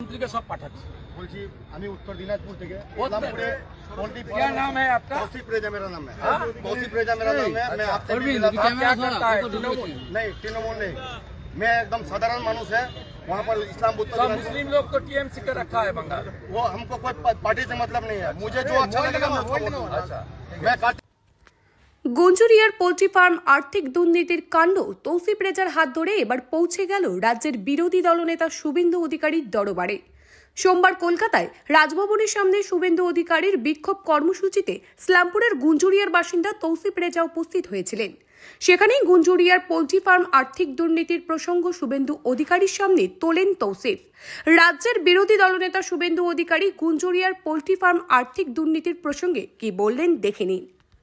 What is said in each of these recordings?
মন্ত্রীকে সব পাঠাচ্ছি। বলছি আমি উত্তর দিনাজপুর থেকে क्या नाम है आपका? तौसीफ रेजा मेरा नाम है। तौसीफ रेजा मेरा नाम है। मैं आपसे भी मिला था। क्या करता है? तृणमूल नहीं, तृणमूल नहीं, मैं एकदम साधारण मानुष है। वहाँ पर इस्लाम बुद्ध सब मुस्लिम लोग को टीएमसी का रखा है बंगाल। वो हमको कोई पार्टी से मतलब नहीं है। मुझे जो अच्छा लगेगा मैं उसको वोट दूंगा। अच्छा, मैं काट গুঞ্জুরিয়ার পোল্ট্রি ফার্ম আর্থিক দুর্নীতির কাণ্ড তৌসিফ রেজার হাত ধরে এবার পৌঁছে গেল রাজ্যের বিরোধী দলনেতা শুভেন্দু অধিকারীর দরবারে। সোমবার কলকাতায় রাজভবনের সামনে শুভেন্দু অধিকারীর বিক্ষোভ কর্মসূচিতে ইসলামপুরের গুঞ্জুরিয়ার বাসিন্দা তৌসিফ রেজা উপস্থিত হয়েছিলেন। সেখানেই গুঞ্জুরিয়ার পোল্ট্রি ফার্ম আর্থিক দুর্নীতির প্রসঙ্গ শুভেন্দু অধিকারীর সামনে তোলেন তৌসিফ। রাজ্যের বিরোধী দলনেতা শুভেন্দু অধিকারী গুঞ্জুরিয়ার পোল্ট্রি ফার্ম আর্থিক দুর্নীতির প্রসঙ্গে কি বললেন দেখে নিন।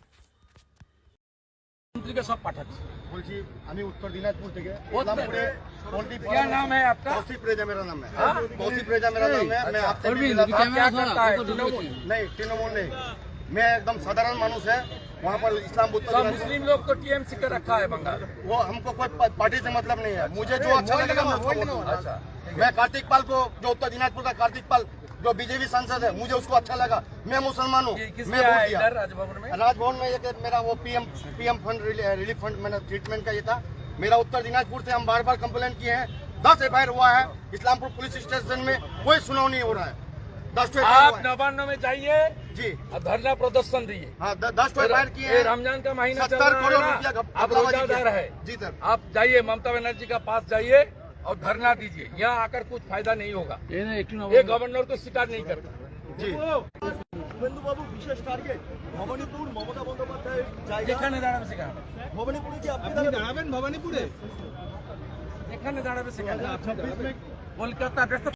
মন্ত্রীকে সব পাঠাচ্ছি। বলছি আমি উত্তর দিনাজপুর থেকে क्या नाम है आपका? तौसीफ रेजा मेरा नाम है। तौसीफ रेजा मेरा नाम है। मैं आपसे भी मिला था। क्या करता है? तृणमूल नहीं, तृणमूल नहीं, मैं एकदम साधारण मानुष है। वहाँ पर इस्लाम बुद्ध सब मुस्लिम लोग को टीएमसी का रखा है बंगाल। वो हमको कोई पार्टी से मतलब नहीं है। मुझे जो अच्छा लगेगा मैं उसको वोट दूंगा। अच्छा, मैं कार्तिक पाल को, जो उत्तर दिनाजपुर का कार्तिक पाल जो बीजेपी सांसद है, मुझे उसको अच्छा लगा। मैं मुसलमान हूँ, किस मैं लिए वोट आया दिया। इधर राजभवन में? राजभवन में ये मेरा वो पीएम फंड रिलीफ फंड मैंने ट्रीटमेंट का ये था। मेरा उत्तर दिनाजपुर से हम बार बार कंप्लेन किए हैं। 10 एफआईआर हुआ है इस्लामपुर पुलिस स्टेशन में, कोई सुनाव नहीं हो रहा है। 10 आप नवान्न में जाइए जी, और धरना प्रदर्शन दिए। हाँ 10 एफआईआर किए ये हैं। रमजान का महीना चल 70 रहा करोड़ है रुपया ना, का आप रोजादार है। जी सर, आप जाइए ममता बनर्जी का पास जाइए और धरना दीजिए। यहाँ आकर कुछ फायदा नहीं होगा। ये गवर्नर को स्वीकार नहीं करता। जी শুভেন্দু বাবু বিশেষ টার্গেট ভবানীপুর মমতা বন্দ্যোপাধ্যায়ের জায়গা। এখানে দাঁড়াবে সেখানে, ভবানীপুরে কি আপনি দাঁড়াবেন? ভবানীপুরে এখানে দাঁড়াবে সেখানে। কলকাতা